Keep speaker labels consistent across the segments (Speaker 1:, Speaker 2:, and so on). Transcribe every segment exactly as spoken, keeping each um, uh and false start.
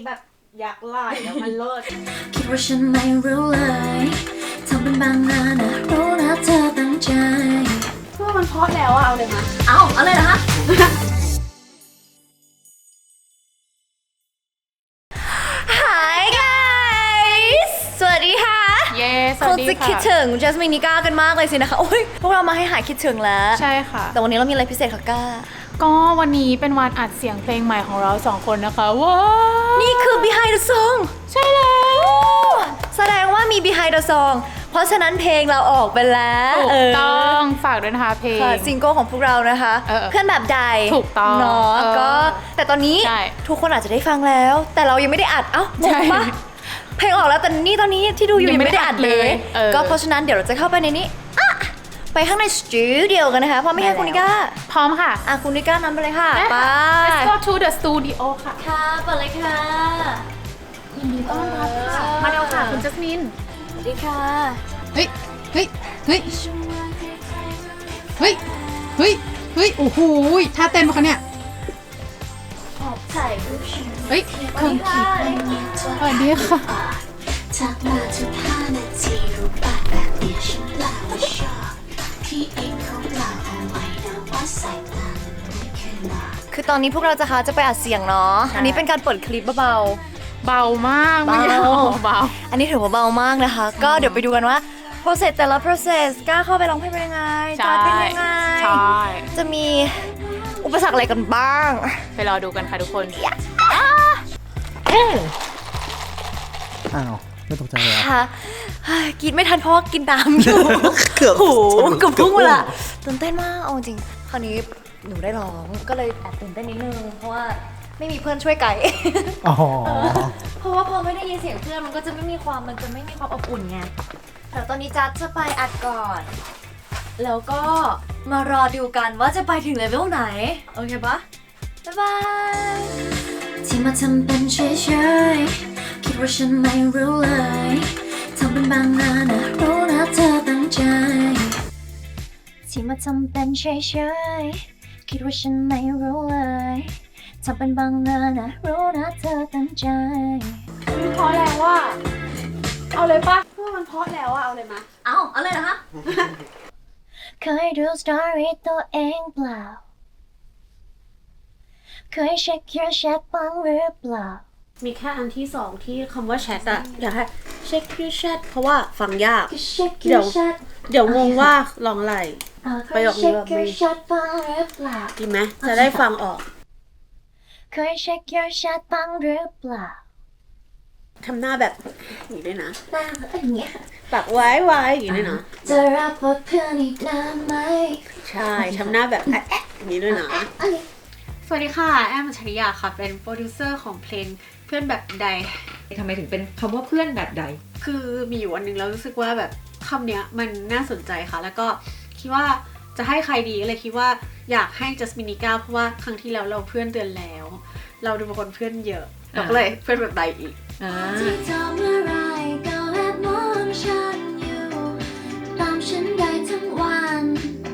Speaker 1: แบบอยากไล่แล้วมันเลิศ
Speaker 2: คิดว่าฉันไม่รู้เลยทำเป็นบางนานะรู้นะเธอตั้งใจ
Speaker 1: เพื่อมันเพราะแล้วอะเอาเลยมา
Speaker 2: เอาเอาเลยนะคะHi guys สวัสดีค่ะ
Speaker 1: เย้สวัสดีค่ะ
Speaker 2: คงจะคิดถึงจัสมินนิก้ากันมากเลยสินะคะโอ้ยพวกเรามาให้หายคิดถึงแล้ว
Speaker 1: ใช่ค่ะ
Speaker 2: แต่วันนี้เรามีอะไรพิเศษค่ะก้า
Speaker 1: ก็วันนี้เป็นวันอัดเสียงเพลงใหม่ของเราสองคนนะคะว้าว
Speaker 2: นี่คือ behind the song
Speaker 1: ใช่แล้ว
Speaker 2: แสดงว่ามี behind the song เพราะฉะนั้นเพลงเราออกไปแล้ว
Speaker 1: ถูกต้องฝากด้วยนะคะเพลง
Speaker 2: ซิงเกิลของพวกเรานะคะเพื่อนแบบใด
Speaker 1: ถูกต้อง
Speaker 2: เนาะก็แต่ตอนนี้ทุกคนอาจจะได้ฟังแล้วแต่เรายังไม่ได้อัดเอ้าบอกว่าเพลงออกแล้วแต่นี่ตอนนี้ที่ดูอยู่ยังไม่ได้อัดเลยก็เพราะฉะนั้นเดี๋ยวเราจะเข้าไปในนี้ไปข้างในสตูดิโอกันนะคะพร้อมไหมคะคุณนิก้า
Speaker 1: พร้อมค่ะ
Speaker 2: อ่ะคุณนิก้านำไปเลยค่ะไป
Speaker 1: Let's go to the studio ค่ะ
Speaker 2: ค่ะเปิดเลยค่ะ
Speaker 1: ยินดีต้อนรับค่ะมาเร็วค่ะคุณจัสมิน
Speaker 2: สวัสดีค่ะ
Speaker 3: เฮ้ยเฮ้ยเฮ้ยเฮ้ยเฮ้ยเฮ้ยโอ้โหท่าเต้นปะคะเนี่ยเฮ้ย
Speaker 2: สวัสดีค่ะ
Speaker 3: สวัสดีค่ะ
Speaker 2: ทักมาทุกห้านาทีรูปแบบแบบนี้ฉันเล่าว่าชอบที่เองเขาเล่าเอาไว้นะว่าใส่ตาไม่เคยมาคือตอนนี้พวกเราจะคะจะไปอัดเสียงเนาะอันนี้เป็นการเปิดคลิปเบา
Speaker 1: เบามาก
Speaker 2: เบา
Speaker 1: เบา
Speaker 2: อันนี้ถือว่าเบามากนะคะก็เดี๋ยวไปดูกันว่า process แต่ละ process กล้าเข้าไปร้องเพลงเป็นยังไงจะเป็นยังไง
Speaker 1: ใช่
Speaker 2: จะมีอุปสรรคอะไรกันบ้าง
Speaker 1: ไปรอดูกันค่ะทุกคน
Speaker 3: อ้าวไม่ตกใจเลย
Speaker 2: ค่ะกินไม่ทันเพราะว่ากินน้ำอยู่
Speaker 3: เกือบ
Speaker 2: โอ้โหเกือบพุ่งเลยอะตื่นเต้นมากเอาจริงคราวนี้หนูได้ร้องก็เลยแอบตื่นเต้นนิดนึงเพราะว่าไม่มีเพื่อนช่วยไกด์เพราะว่าพอไม่ได้ยินเสียงเพื่อนมันก็จะไม่มีความมันจะไม่มีความอบอุ่นไงแต่ตอนนี้จัดจะไปอัดก่อนแล้วก็มารอดูกันว่าจะไปถึงเลเวลไหนโอเคปะบ๊ายบายที่มาทำเป็นเฉยๆคิดว่าฉันไม่รู้เลยทำเป็นบางนานะรู้นะเธอตั้งใจที่มาทำเป็นเฉยๆคิดว่าฉันไม่รู้เลยทำเป็นบางนานะรู้นะเธอตั้งใจ
Speaker 1: มันเพราะแล้วว่าเอาเลยปะเพื่อมันเพราะแล้วอะเอาเลยมา
Speaker 2: เอาเอาเลยเหรอคะเคยดูสตอรี่ตัวเองเปล่าเคยเช็คyour chatบ้างหรือเปล่า
Speaker 1: มีแค่อันที่สองที่คำว่าแชทอะอยากให้เช็ค your chat เพราะว่าฟังยากเดี๋ยวเดี๋ยวงงว่าลองอะไรประโยคนี้แบบดีดีไหมจะได้ฟังออก
Speaker 2: เคยเช็ค your chat บ้างหรือเปล่า
Speaker 1: ทำหน้าแบบอย่างนี้ด้วยนะ
Speaker 2: หน้าอย่างเงี้ย
Speaker 1: ปากไว้ไว้อย่างนี้ด้วยนะ
Speaker 2: จะรับว่าเพื่อนอีกนานไหม
Speaker 1: ใช่ทำหน้าแบบแอะอย่างนี้ด้วยนะสวัสดีค่ะแอม อัญชริยาค่ะเป็นโปรดิวเซอร์ของเพลงเพื่อนแบบใด
Speaker 4: ทำไมถึงเป็นคำว่าเพื่อนแบบใด
Speaker 1: คือมีอยู่วันหนึ่งแล้วรู้สึกว่าแบบคำเนี้ยมันน่าสนใจค่ะแล้วก็คิดว่าจะให้ใครดีเลยคิดว่าอยากให้จัสมินนิก้าเพราะว่าครั้งที่แล้วเราเพื่อนเตือนแล้วเราดูเป็นคนเพื่อนเยอะเราก็เลยเพื่อนแบบใดอีก
Speaker 2: ที่ทำอะไรก็แอบมองฉันอยู่ตามฉันได้ทั้งวัน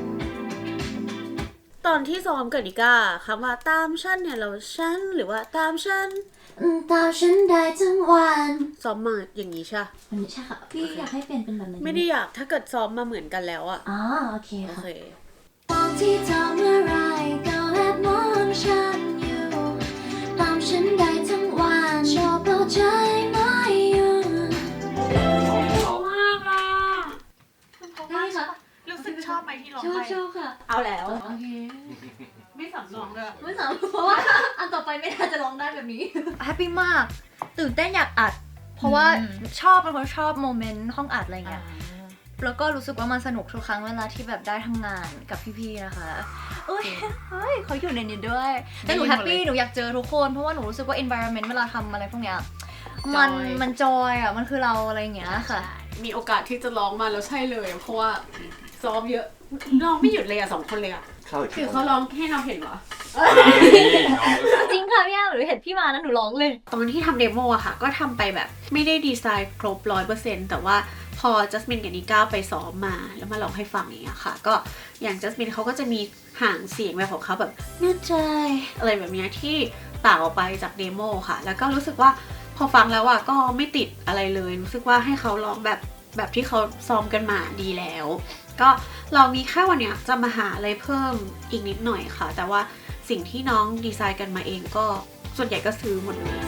Speaker 1: ตอนที่ซ้อมกับนิก้าคำว่าตามฉันเนี่ยเราฉันหรือว่าตามฉัน
Speaker 2: ตามฉันได้ทั้งวัน
Speaker 1: ซ้อมมาอย่างนี้ใช่
Speaker 2: ไม่ใช่ค่ะพี่อยากให้เปลี่ยนเป็นแบบไหน
Speaker 1: ไม่ได้อยากถ้าเกิดซ้อมมาเหมือนกันแล้วอะ
Speaker 2: อ๋อโอเคค่ะ
Speaker 1: โอเค
Speaker 2: ตอนที่ทำอะไรก็แอบมองฉันอยู่ตามฉันได้ทั้งวันชอบเอาใจไม่หยุด
Speaker 1: ชอบมากอ่ะ
Speaker 2: ได้ค่ะ
Speaker 1: รู้สึกชอบไหมที่ร้อง
Speaker 2: ไปชอบชอบค่ะ
Speaker 1: เอาแล้ว
Speaker 2: โอเค
Speaker 1: ไม่สำรองเลย
Speaker 2: ไม่สำรองเพราะว่าอันต่อไปไม่น่าจะร้องได้แบบนี้แฮปปี้มากตื่นเต้นอยากอัดเพราะว่าชอบเป็นคนชอบโมเมนต์ห้องอัดอะไรเงี้ยแล้วก็รู้สึกว่ามันสนุกทุกครั้งเวลาที่แบบได้ทำงานกับพี่ๆนะคะเอ้ยเฮ้ยเขาอยู่ในนี้ด้วยแต่หนูแฮปปี้หนูอยากเจอทุกคนเพราะว่าหนูรู้สึกว่า environment เวลาทำอะไรพวกเนี้ยมันมันจอยอ่ะมันคือเราอะไรอย่างเงี้ยค่ะ
Speaker 1: มีโอกาสที่จะร้องมาแล้วใช่เลยเพราะว่าซ้อมเยอะร้องไม่หยุดเลยอ่ะสองคนเลยอ่ะคือเขาร้องให้เราเห็นเหรอ
Speaker 2: จริงค่ะพี่อ้าหนูเห็นพี่มานะหนูร้องเลย
Speaker 1: ตอนที่ทำเดโมอะค่ะก็ทำไปแบบไม่ได้ดีไซน์ครบร้อยเปอร์เซ็นต์แต่ว่าพอจัสมินกับนิก้าไปซ้อมมาแล้วมาร้องให้ฟังอย่างเงี้ยค่ะก็อย่างจัสมินเขาก็จะมีห่างเสียงแบบของเขาแบบเนื้อใจอะไรแบบนี้ที่ต่างออกไปจากเดโมค่ะแล้วก็รู้สึกว่าพอฟังแล้วอ่ะก็ไม่ติดอะไรเลยรู้สึกว่าให้เขาร้องแบบแบบที่เขาซ้อมกันมาดีแล้วก็เรามีแค่วันเนี้ยจะมาหาอะไรเพิ่มอีกนิดหน่อยค่ะแต่ว่าสิ่งที่น้องดีไซน์กันมาเองก็ส่วนใหญ่ก็ซื้อหมดเลย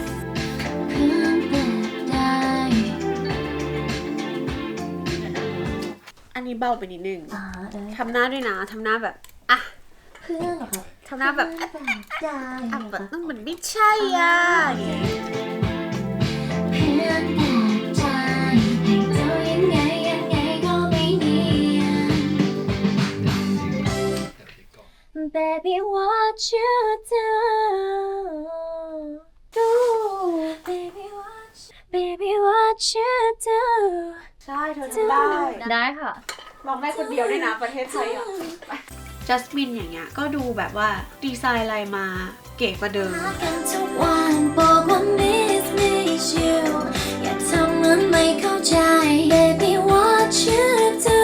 Speaker 1: อันนี้เบาไปนิดนึงทำหน้าด้วยนะทำหน้าแบบอ่ะ
Speaker 2: เพื่อนเหรอคะ
Speaker 1: ทำหน้าแบบ
Speaker 2: ได้
Speaker 1: อ่ะแบบเหมือนไม่ใช่อ่ะอย่างเงี้ย
Speaker 2: เพื่อนแต่ใจให้เจ้ายังไงยังไงก็ไม่เนียน Baby what you do do Baby what Baby what you do
Speaker 1: ใช่เธอทำได้
Speaker 2: ได้ค่ะ
Speaker 1: ลองได้คนเดียวด้วยนะประเทศไทยอ่ะจัสมินอย่างเงี้ยก็ดูแบบว่าดีไซน์อะไรมาเก๋กว่าเดิม
Speaker 2: กันทุกวันบอกว่า miss miss you อย่าทำเหมือนไม่เข้าใจ Baby what you do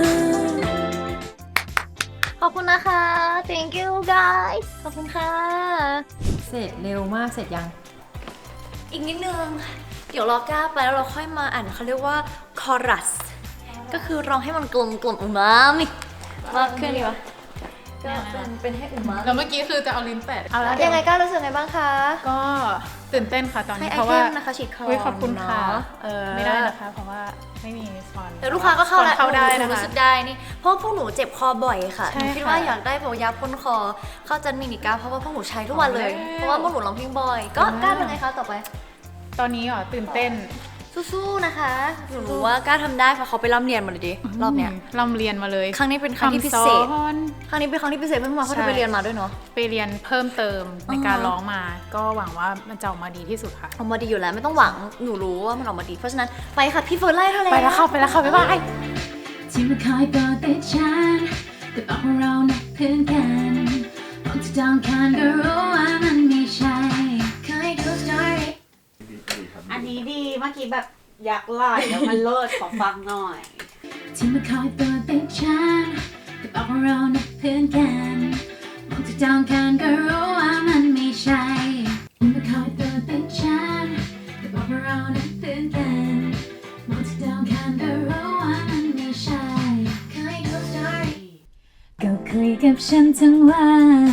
Speaker 2: ขอบคุณนะคะ thank you guys ขอบคุณค่ะ
Speaker 4: เสร็จเร็วมากเสร็จยัง
Speaker 2: อีกนิดนึง เดี๋ยวรอก้าไปแล้วเราค่อยมาอ่านเขาเรียกว่า chorus ก็คือร้องให้มันกลมกลมอุมามิมากขึ้นดีวะก็เป็นเป็นให้อุมา
Speaker 3: แล้วเมื่อกี้คือจะเอาลิ้นแตะเอาแล้ว
Speaker 2: ยังไงก้ารู้สึกไงบ้างคะ
Speaker 3: ก็ตื่นเต้นค่ะตอน
Speaker 2: ให้
Speaker 3: นี้
Speaker 2: ไอ
Speaker 3: เพราะ
Speaker 2: เท
Speaker 3: ว่าม
Speaker 2: นะคะฉีดคอ
Speaker 3: อุ๊ยขอบคุณค่ะ
Speaker 2: เนาะเออ
Speaker 3: ไม่ได้นะคะ เพราะว่าไม่มีสปอน
Speaker 2: แต่ลูกค้าก็เข้าแล้ว
Speaker 3: เข้าได้
Speaker 2: ห
Speaker 3: นะ
Speaker 2: รู้
Speaker 3: คะ
Speaker 2: สึกได้นี่เพราะพวกหนูเจ็บคอบ่อยค่ะ
Speaker 3: ใช่
Speaker 2: หนูคิด
Speaker 3: ค่ะ
Speaker 2: ว่าอยากได้แบบยาพ่นคอเข้าจันมินิก้าเพราะว่าพวกหนูใช้ทุกวันเลย
Speaker 3: เอาแล้ว
Speaker 2: เพราะว่าพวกหนูร้องเพลงบ่อย ก็
Speaker 3: เอาแล้ว
Speaker 2: กล้าเป็นไงคะต่อไป
Speaker 3: ตอนนี้อ๋อตื่นเต้น
Speaker 2: สู้ๆนะคะหนูรู้ว่ากล้าทำได้เพราะเขาไปร่ำเรียนมาเลยดิรอบเนี้ย
Speaker 3: ร่ำเรียนมาเลย
Speaker 2: ครั้งนี้เป็นครั้งที่พิเศษ
Speaker 3: คำสอน
Speaker 2: ครั้งนี้เป็นครั้งที่พิเศษเพิ่งมาเพราะ
Speaker 3: ใช่
Speaker 2: เธอไปเรียนมาด้วยเนาะ
Speaker 3: ไปเรียนเพิ่มเติมในการ
Speaker 2: อ่าฮะ
Speaker 3: ร้องมา ก็หวังว่ามันจะออกมาดีที่สุดค่ะ
Speaker 2: ออกมาดีอยู่แล้วไม่ต้องหวังหนูรู้ว่ามันออกมาดีเพราะฉะนั้นไปค่ะพี่เฟิร์นไล่เธอเลย
Speaker 3: ไปแล้วค่ะไปแล้วค่ะบ๊ายบาย
Speaker 5: ที่มาคอยกอดติดฉันแต่บอกว่าเรานักเพื่อนกันมองที่ดองคันก็รู้ว่ามันไม่ใช่เคยดูสตอรี่
Speaker 1: อันนี้ดีเมื่อกี้แบบอยากไล่แล้วมันเลิศขอฟังหน่อย
Speaker 5: ที่มาคอยกอดติดฉันแต่บอกว่าเรานักเพื่อนกันมองที่ดองคันก็รู้ว่ามันไม่ใช่ที่มาคอยกอดติดฉันแต่บอกว่าเรานักเพื่อนกันมองที่ดองคันก็รู้ว่ามันไม่ใช่เคยดูสตอรี่ก็คุยกับฉันทั้งวัน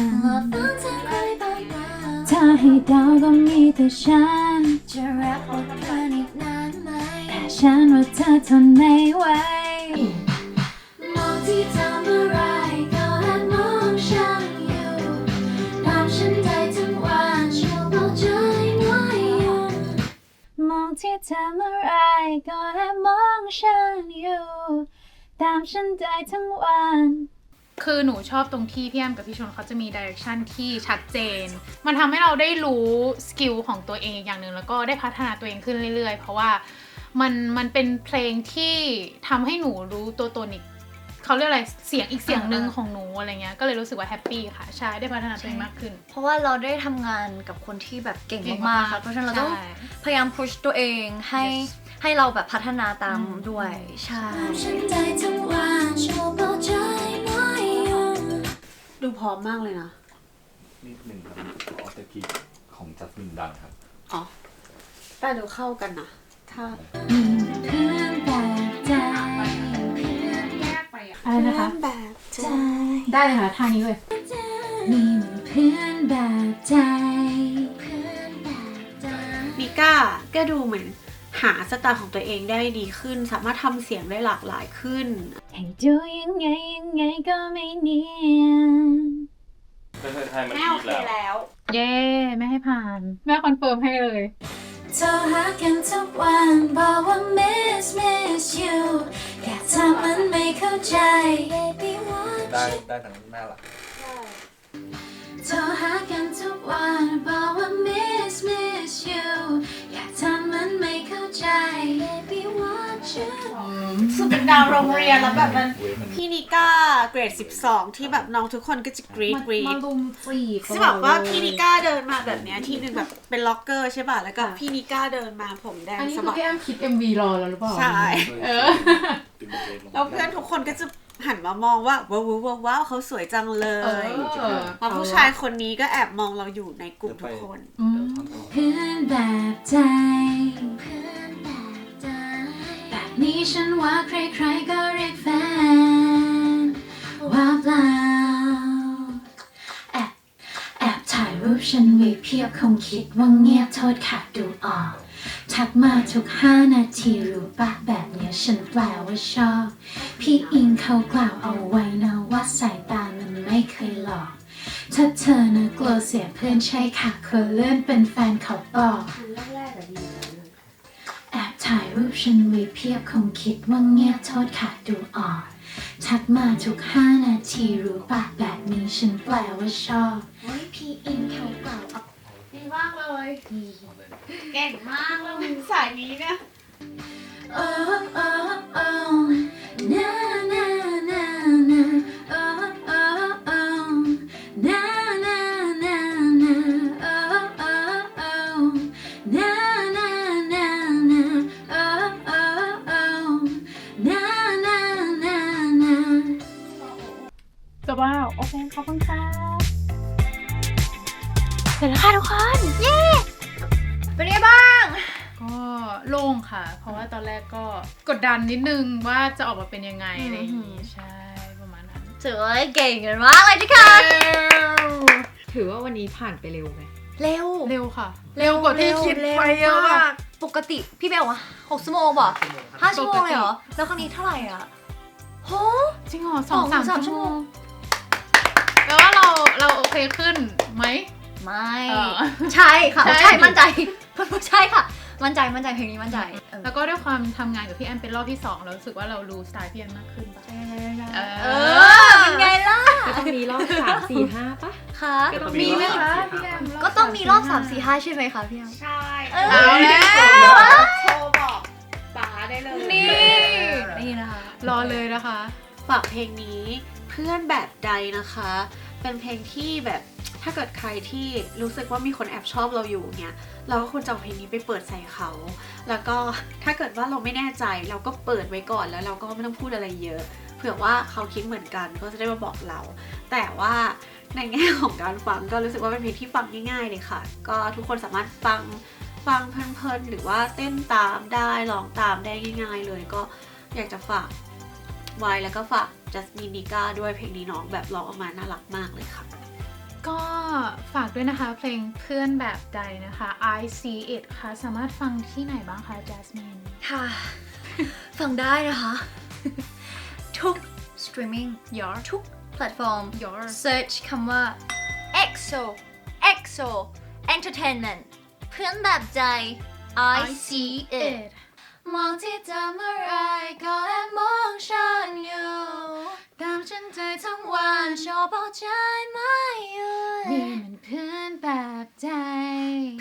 Speaker 2: มาฟังเธอคุยเบา
Speaker 5: ถ้าให้เดาก็มีแต่ฉัน
Speaker 2: ๆจะรักอดทนอีกนานไหม
Speaker 5: แต่ฉันว่าเธอทนไม่ไหว
Speaker 2: มองที่ทำอะไรก็แอบมองฉันอยู่ตามฉันได้ทั้งวันช่วยบอกใจหน่อยอยู่
Speaker 5: มองที่ทำอะไรก็แอบมองฉันอยู่ตามฉันได้ทั้งวัน
Speaker 3: คือหนูชอบตรงที่พี่แอมกับพี่ชนเขาจะมีดิเรกชันที่ชัดเจน มันทำให้เราได้รู้สกิลของตัวเองอีกอย่างหนึ่งแล้วก็ได้พัฒนาตัวเองขึ้นเรื่อยๆ เพราะว่ามันมันเป็นเพลงที่ทำให้หนูรู้ตัวตนอีกเขาเรียกอะไรเสียงอีกเสียงหนึ่งของหนูอะไรเงี้ยก็เลยรู้สึกว่าแฮปปี้ค่ะใช่ได้พัฒนาตัวเองมากขึ้น
Speaker 2: เพราะว่าเราได้ทำงานกับคนที่แบบเก่ง
Speaker 3: เก่ง
Speaker 2: มาก
Speaker 3: มาก
Speaker 2: ๆค่ะเพราะฉะนั้นเราต้อง
Speaker 3: ใช่
Speaker 2: พยายามพุชตัวเองให้
Speaker 3: Yes
Speaker 2: ให้เราแบบพัฒนาตาม
Speaker 3: อืม
Speaker 2: ด้วยใช่
Speaker 5: ฉันได้ทั้งวันช่วยบอกใจหน่อยอยู่
Speaker 1: ดูพร้อมมากเลยนะ
Speaker 6: นิดหนึ่งครับออสเตอร์คีของจัสมินดังครับ
Speaker 1: อ๋อแต่ดูเข้ากันนะถ้า
Speaker 5: เพื่อนแบบใจ
Speaker 3: อะไรนะคะ
Speaker 1: แบบใจ
Speaker 3: ได้เลยค่ะท่านี้เลย
Speaker 5: มีเหมือนเพื่อนแบบใจ
Speaker 1: มิก้าก็ดูเหมือนหาสไตล์ของตัวเองได้ดีขึ้น สามารถทำเสียงได้หลากหลายขึ้น
Speaker 5: ให้ดูยังไงยังไงก็ไม่เนียน
Speaker 1: แม่โอเคแล้ว
Speaker 3: เย้แม่ให้ผ่าน แม่คอนเฟิร์มให้เลย
Speaker 5: โทรหากันทุกวันบอกว่า miss miss you อยากทำมันไม่เข้าใจ Baby what
Speaker 6: ได้ได้ทั้งแม่ละ
Speaker 5: โทรหากันทุกวันบอกว่า miss miss you อยากทำมันไม่เข้าใจ Baby what you
Speaker 1: สุดเป็นดาวโรงเรียนแล้วแบบมัน
Speaker 6: เว้ยมัน
Speaker 1: พี่นิก้าเกรดสิบสองที่แบบน้องทุกคนก็จะกรี๊ดกรี๊
Speaker 3: มา
Speaker 1: ด
Speaker 3: ลุมจีบ
Speaker 1: ซึ่งแบบว่าพี่นิก้าเดินมาแบบเนี้ยที่หนึ่งแบบเป็นล็อกเกอร์ใช่ป่ะแล้วก็พี่นิก้าเดินมาผมแดง
Speaker 3: อันนี้
Speaker 1: สะ
Speaker 3: คือ
Speaker 1: บัด
Speaker 3: พี่แอมคิด เอ็ม วี รอแล้วหรือเปล่า
Speaker 1: ใช่
Speaker 3: เออ
Speaker 1: แล้วเพื่อนทุกคนก็จะหันมามองว่าว้าวว้าวว้าวเขาสวยจังเลย
Speaker 3: เออ
Speaker 1: แล้วผู้ชายคนนี้ก็แอบมองเราอยู่ในกลุ่มทุกคน
Speaker 3: อืม
Speaker 5: เพื่อนแบบใจเพื่อนแบบใจแบบนี้ฉันว่าใครๆก็เรียกแฟนว่าเปล่าแอบแอบถ่ายรูปฉันไว้เพียบคงคิดว่าเงียบโทษค่ะดูออกทักมาทุกห้านาทีรู้ปะแบบเนี้ยฉันแปลว่าชอบพี่อิงเขากล่าวเอาไว้นะว่าสายตามันไม่เคยหลอกถ้าเธอนะกลัวเสียเพื่อนใช่ค่ะควรเลื่อนเป็นแฟนเขาบอกแอบถ่ายรูปฉันไว้เพียบคงคิดว่าเงียบโทษค่ะดูออกทักมาทุกห้านาทีรู้ปะแบบนี้ฉันแปลว่าชอบพี่อิงเขากล่าวเอา
Speaker 1: ดีมากเลย เก่งมากแล้วสายนี้เนี่ย
Speaker 5: Oh, oh, oh, na na na na, oh, oh, oh, na na na na, oh, oh, oh, na na na na, oh, oh, oh, na na na na.
Speaker 3: จบแล้วโอเคขอบคุณค่ะ
Speaker 2: เสร็จแล้วค่ะทุกคน เย้เป็นไงบ้าง
Speaker 3: ก็โล่งค่ะ เพราะว่าตอนแรกก็กดดันนิดนึงว่าจะออกมาเป็นยังไงอะไรอย่างงี้ใช่ประมาณนั้น
Speaker 2: ถือว่าเก่งกันมากเลยทุกคน
Speaker 4: ถือว่าวันนี้ผ่านไปเร็วไหม
Speaker 2: เร็ว
Speaker 3: เร็วค่ะ เร็วกว่าที่คิดไปเยอะมาก
Speaker 2: ปกติพี่เบลวะหกชั่วโมงป่ะห้าชั่วโมงเลยเหรอ แล้วครั้งนี้เท่าไหร่อ่ะโห
Speaker 3: จริงเหรอสอง
Speaker 2: สอง
Speaker 3: สาม
Speaker 2: สามชั่
Speaker 3: ชั่
Speaker 2: ว
Speaker 3: ว
Speaker 2: โม
Speaker 3: โม
Speaker 2: ง
Speaker 3: งแปลว่าเราเราโอเคขึ้นไหม
Speaker 2: ไม่
Speaker 3: เออ
Speaker 2: ใช่ค่ะ
Speaker 3: ใช่
Speaker 2: ใช่มั่นใจ ใช่ค่ะ มั่นใจมั่นใจเพลงนี้มั่นใจเออ
Speaker 3: แล้วก็ด้วยความทำงานกับพี่แอมเป็นรอบที่สองเรารู้สึกว่าเรารู้สไตล์พี่แอมมากขึ้นปะเอ
Speaker 2: เอ
Speaker 3: อ
Speaker 2: อเป็นไงล่ะ
Speaker 4: ก็ต้องมีรอบสามสี่ห้าปะ
Speaker 2: คะ
Speaker 4: ก็ต้อง
Speaker 3: มีไหมคะพี่แอมรบ
Speaker 2: ก็ต้องมีรอบ
Speaker 3: ส
Speaker 2: สามสี่ห้าใช่ไหมคะพี่แอม
Speaker 1: ใช่
Speaker 2: เออ
Speaker 3: เอาแล้ว
Speaker 1: โทรบอกป๋าได้เลย
Speaker 2: นี่ นี่นะคะ
Speaker 3: รอเลยนะคะ
Speaker 1: ฝากเพลงนี้เพื่อนแบบใดนะคะ เป็นเพลงที่แบบถ้าเกิดใครที่รู้สึกว่ามีคนแอบชอบเราอยู่เนี่ยเราก็ควรจะเอาเพลงนี้ไปเปิดใส่เขา แล้วก็ถ้าเกิดว่าเราไม่แน่ใจเราก็เปิดไว้ก่อนแล้วเราก็ไม่ต้องพูดอะไรเยอะ เผื่อว่าเขาคิดเหมือนกันก็จะได้มาบอกเรา แต่ว่าในแง่ของการฟังก็รู้สึกว่าเป็นเพลงที่ฟังง่ายๆเลยค่ะ ก็ทุกคนสามารถฟังฟังเพลินๆหรือว่าเต้นตามได้ร้องตามได้ง่าย ๆ เลย ก็อยากจะฝากไว้แล้วก็ฝากจัสมินนิก้าด้วยเพลงนี้น้องแบบร้องออกมาน่ารักมากเลยค่ะ
Speaker 3: ก็ฝากด้วยนะคะเพลงเพื่อนแบบใดนะคะ I See It ค่ะสามารถฟังที่ไหนบ้างคะ Jasmine
Speaker 2: ค่ะ ฟังได้นะคะ ทุก streaming
Speaker 3: Your
Speaker 2: ทุกแพลตฟอร์ม
Speaker 3: Your
Speaker 2: search คำว่า เอ็กโซ เอ็กโซ entertainment เพื่อนแบบใจ I see it มองที่เธอเมื่อไรก็แอบมองฉันอยู่ตามฉันใจทั้งวันชอบเอาใจไม่หยุด
Speaker 3: นี่มันเพื่อนแบบใจ